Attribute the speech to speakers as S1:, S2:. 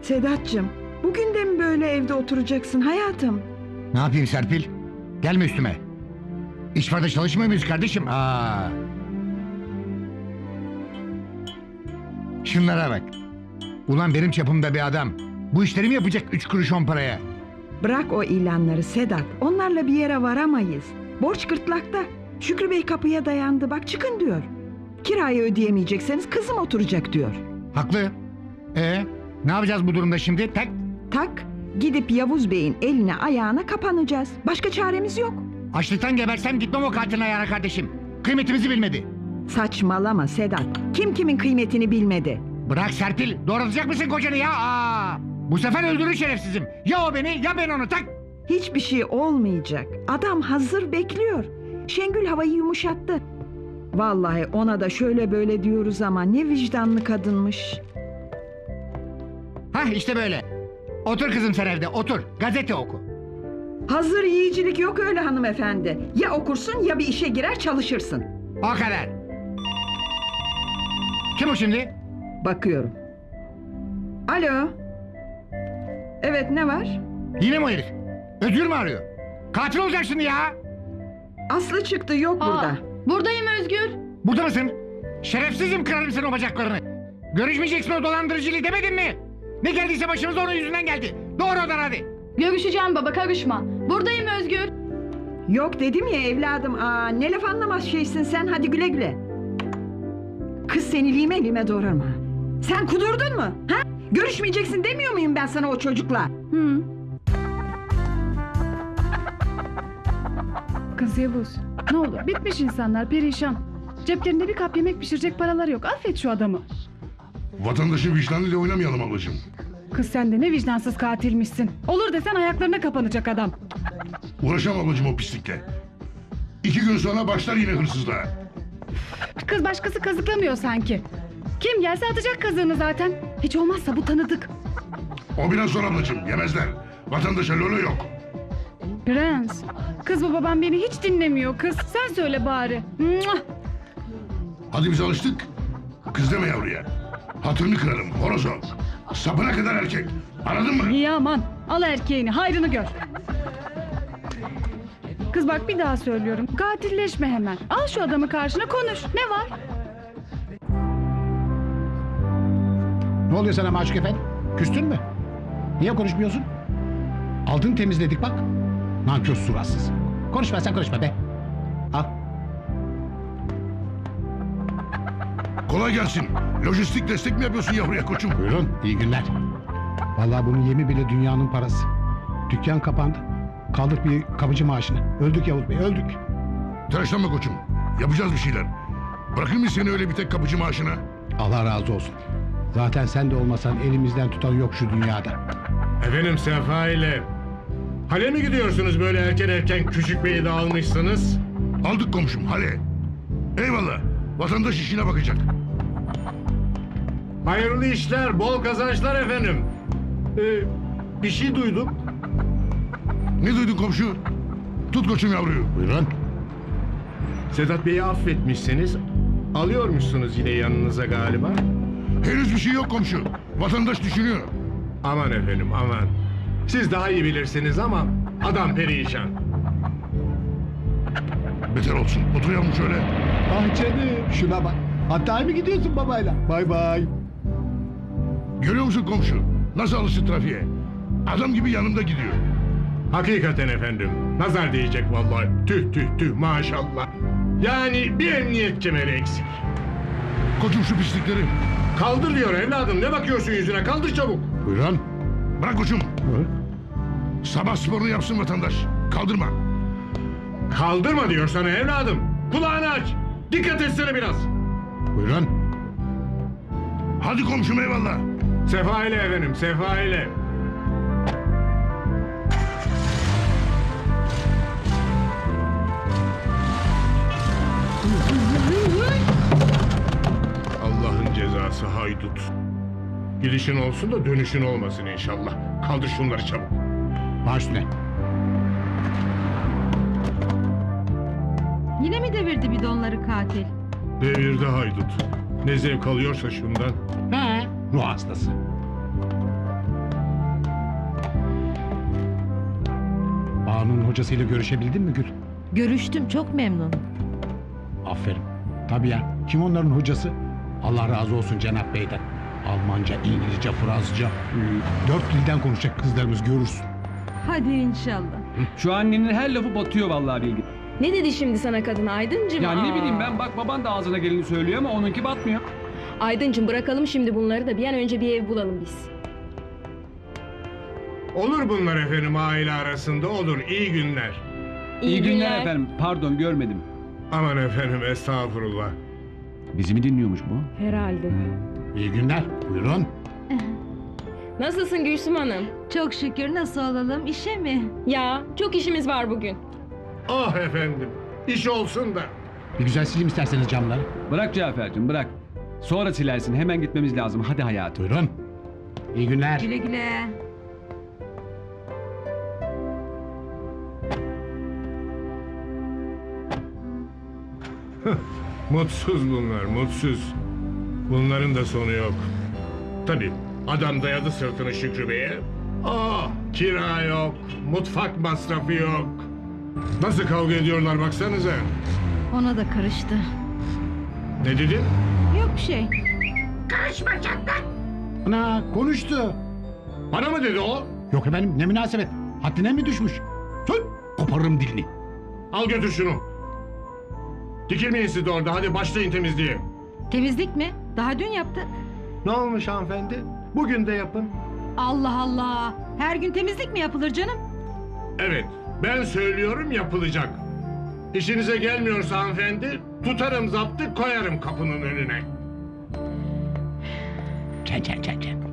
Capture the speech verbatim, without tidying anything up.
S1: Sedat'cığım, bugün de mi böyle evde oturacaksın hayatım?
S2: Ne yapayım Serpil? Gelme üstüme. İş var da çalışmıyor muyuz kardeşim? Aa. Şunlara bak. Ulan benim çapımda bir adam bu işleri mi yapacak üç kuruş on paraya?
S1: Bırak o ilanları Sedat. Onlarla bir yere varamayız. Borç gırtlakta. Şükrü Bey kapıya dayandı. Bak çıkın diyor. Kirayı ödeyemeyecekseniz kızım oturacak diyor.
S2: Haklı. Ee, ne yapacağız bu durumda şimdi? Tak.
S1: Tak, gidip Yavuz Bey'in eline ayağına kapanacağız. Başka çaremiz yok.
S2: Açlıktan gebersem gitmem o katilin ayağına kardeşim. Kıymetimizi bilmedi.
S1: Saçmalama Sedat. Kim kimin kıymetini bilmedi.
S2: Bırak Serpil. Doğratacak mısın kocanı ya? Aa. Bu sefer öldürür şerefsizim. Ya o beni ya ben onu, tak.
S1: Hiçbir şey olmayacak. Adam hazır bekliyor. Şengül havayı yumuşattı. Vallahi ona da şöyle böyle diyoruz ama ne vicdanlı kadınmış.
S2: Hah işte böyle. Otur kızım sen evde otur. Gazete oku.
S1: Hazır yiyicilik yok öyle hanımefendi. Ya okursun ya bir işe girer çalışırsın.
S2: O kadar. Kim o şimdi?
S1: Bakıyorum. Alo. Evet, ne var?
S2: Yine mi o herif? Özgür mü arıyor? Katil olacak şimdi ya.
S1: Aslı çıktı, yok
S3: Aa,
S1: burada.
S3: buradayım Özgür.
S2: Burada mısın? Şerefsizim, kırarım senin o bacaklarını. Görüşmeyeceksin o dolandırıcıyla demedim mi? Ne geldiyse başımıza onun yüzünden geldi. Doğru odan hadi.
S3: Görüşeceğim baba, karışma. Buradayım Özgür.
S1: Yok dedim ya evladım. Aa, ne laf anlamaz şeysin sen, hadi güle güle. Kız seni lime lime doğrarım ha. Sen kudurdun mu? Ha? Görüşmeyeceksin demiyor muyum ben sana o çocukla?
S3: Hı.
S4: Kız Yavuz, ne olur bitmiş insanlar, perişan. Ceplerinde bir kap yemek pişirecek paraları yok. Affet şu adamı.
S5: Vatandaşın vicdanıyla oynamayalım ablacığım.
S4: Kız sen de ne vicdansız katilmişsin. Olur desen ayaklarına kapanacak adam.
S5: Uğraşamam ablacığım o pislikle. İki gün sonra başlar yine hırsızlığa.
S4: Kız başkası kazıklamıyor sanki. Kim gelse atacak kazığını zaten. Hiç olmazsa bu tanıdık.
S5: O biraz zor ablacığım, yemezler. Vatandaşa lolo yok.
S4: Prens. Kız bu babam beni hiç dinlemiyor kız. Sen söyle bari. Muah!
S5: Hadi biz alıştık. Kız deme yavruya. Hatırını kırarım, horoz o. Sapına kadar erkek. Anladın mı?
S4: İyi aman. Al erkeğini, hayrını gör. Kız bak bir daha söylüyorum. Katilleşme hemen. Al şu adamı karşına konuş. Ne var?
S6: Ne oluyor sana Maşuk Efendi? Küstün mü? Niye konuşmuyorsun? Altını temizledik bak. Nankör suratsız. Konuşma sen konuşma be. Al.
S5: Kolay gelsin. Lojistik destek mi yapıyorsun yavruya koçum?
S6: Buyurun iyi günler. Vallahi bunun yemi bile dünyanın parası. Dükkan kapandı. Kaldık bir kapıcı maaşını. Öldük Yavuz Bey öldük.
S5: Telaşlanma koçum. Yapacağız bir şeyler. Bırakır mıyız seni öyle bir tek kapıcı maaşına?
S6: Allah razı olsun. Zaten sen de olmasan elimizden tutan yok şu dünyada.
S7: Efendim Sefa ile hale mi gidiyorsunuz böyle erken erken küçük beyi de almışsınız?
S5: Aldık komşum hale. Eyvallah. Vatandaş işine bakacak.
S7: Hayırlı işler, bol kazançlar efendim. Ee, bir şey duydum.
S5: Ne duydun komşu? Tut koçum yavruyu.
S6: Buyurun.
S7: Sedat Bey'i affetmişsiniz. Alıyormuşsunuz yine yanınıza galiba.
S5: Henüz bir şey yok komşu. Vatandaş düşünüyor.
S7: Aman efendim aman. Siz daha iyi bilirsiniz ama adam perişan.
S5: Beter olsun. Otur yavrum şöyle.
S6: Ah canım şuna bak. Hatta mı gidiyorsun babayla? Bay bay.
S5: Görüyor musun komşu? Nasıl alıştı trafiğe? Adam gibi yanımda gidiyor.
S7: Hakikaten efendim. Nazar diyecek vallahi. Tüh tüh tüh maşallah. Yani bir emniyet kemeri eksik.
S5: Koçum şu pislikleri.
S7: Kaldır diyor evladım. Ne bakıyorsun yüzüne? Kaldır çabuk.
S6: Buyurun.
S5: Bırak koçum.
S6: Hı?
S5: Sabah sporunu yapsın vatandaş. Kaldırma.
S7: Kaldırma diyor sana evladım. Kulağını aç. Dikkat etsene biraz.
S6: Buyurun.
S5: Hadi komşum eyvallah.
S7: Sefa ile efendim, sefa ile. Allah'ın cezası haydut. Gidişin olsun da dönüşün olmasın inşallah. Kaldır şunları çabuk.
S6: Baş üstüne.
S8: Yine mi devirdi bidonları katil?
S7: Devirde haydut. Ne zevk alıyorsa şundan.
S6: He. Ruh hastası. Banu'nun hocasıyla görüşebildin mi Gül?
S8: Görüştüm, çok memnun.
S6: Aferin. Tabii ya. Kim onların hocası? Allah razı olsun Cenap Bey'den. Almanca, İngilizce, Fransızca. Dört dilden konuşacak kızlarımız görürsün.
S8: Hadi inşallah.
S9: Şu annenin her lafı batıyor vallahi Bilgi.
S10: Ne dedi şimdi sana kadın Aydıncım?
S9: Ya ne
S10: Aa.
S9: bileyim ben, bak baban da ağzına geleni söylüyor ama onunki batmıyor.
S10: Aydıncım bırakalım şimdi bunları da bir an önce bir ev bulalım biz.
S7: Olur bunlar efendim aile arasında olur. İyi günler.
S9: İyi, günler. efendim. Pardon görmedim.
S7: Aman efendim estağfurullah.
S9: Bizi mi dinliyormuş bu?
S10: Herhalde.
S6: İyi günler. Buyurun.
S10: Nasılsın Gülsüm Hanım?
S8: Çok şükür, nasıl olalım, işe mi?
S10: Ya çok işimiz var bugün.
S7: Ah efendim. İş olsun da.
S6: Bir güzel sileyim isterseniz camları.
S9: Bırak Cafer'cim bırak. Sonra silersin, hemen gitmemiz lazım. Hadi hayatım.
S6: Buyurun. İyi günler.
S8: Güle güle.
S7: Mutsuz bunlar, mutsuz. Bunların da sonu yok. Tabii adam dayadı sırtını Şükrü Bey'e. Ah, kira yok, mutfak masrafı yok. Nasıl kavga ediyorlar baksanıza.
S8: Ona da karıştı.
S7: Ne dedin?
S8: Yok şey.
S6: Ana konuştu.
S7: Bana mı dedi o?
S6: Yok efendim ne münasebet. Haddine mi düşmüş? Sus. Koparırım dilini.
S7: Al götür şunu. Dikilmeyin siz de orada, hadi başlayın temizliğe.
S8: Temizlik mi? Daha dün yaptık.
S7: Ne olmuş hanımefendi? Bugün de yapın.
S8: Allah Allah. Her gün temizlik mi yapılır canım?
S7: Evet, ben söylüyorum yapılacak. İşinize gelmiyorsa hanımefendi, tutarım zaptı koyarım kapının önüne.
S6: Çen çen çen çen.